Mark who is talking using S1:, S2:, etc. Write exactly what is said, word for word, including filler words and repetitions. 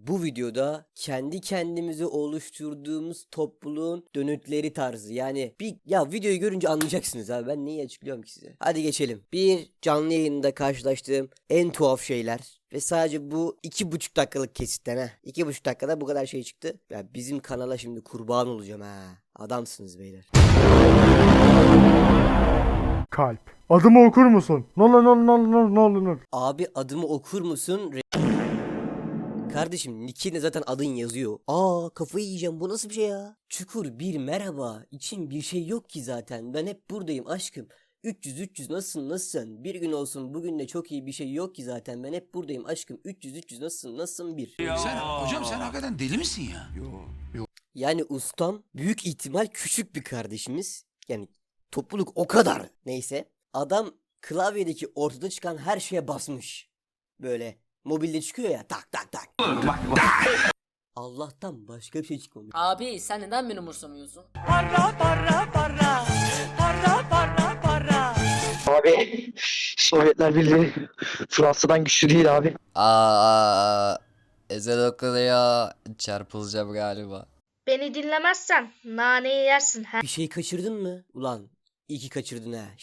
S1: Bu videoda kendi kendimize oluşturduğumuz topluluğun dönütleri tarzı. Yani bir ya videoyu görünce anlayacaksınız abi. Ben neyi açıklıyorum ki size? Hadi geçelim. Bir canlı yayında karşılaştığım en tuhaf şeyler. Ve sadece bu iki buçuk dakikalık kesitten ha. İki buçuk dakikada bu kadar şey çıktı. Ya bizim kanala şimdi kurban olacağım ha. Adamsınız beyler.
S2: Kalp. Adımı okur musun? Ne olur ne olur ne olur ne olur ne olur.
S1: Abi adımı okur musun? Re- Kardeşim nickinde zaten adın yazıyor. Aa kafayı yiyeceğim, bu nasıl bir şey ya? Çukur bir merhaba. İçim bir şey yok ki zaten. Ben hep buradayım aşkım. üç yüz üç yüz nasılsın nasılsın? Bir gün olsun bugün de çok iyi bir şey yok ki zaten. Ben hep buradayım aşkım. üç yüz üç yüz nasılsın nasılsın bir.
S3: Sen hocam sen hakikaten deli misin ya?
S1: Yani ustam büyük ihtimal küçük bir kardeşimiz. Yani topluluk o kadar. Neyse. Adam klavyedeki ortada çıkan her şeye basmış. Böyle mobilde çıkıyor ya, tak tak tak. Allah'tan başka bir şey çıkmamış.
S4: Abi sen neden beni umursamıyorsun?
S5: Abi Sovyetler Birliği Fransa'dan güçlü değil abi.
S6: Aa, ezan okunuyor. Çarpılacağım galiba.
S7: Beni dinlemezsen naneyi yersin ha.
S1: Bir şey kaçırdın mı? Ulan iyi ki kaçırdın ha.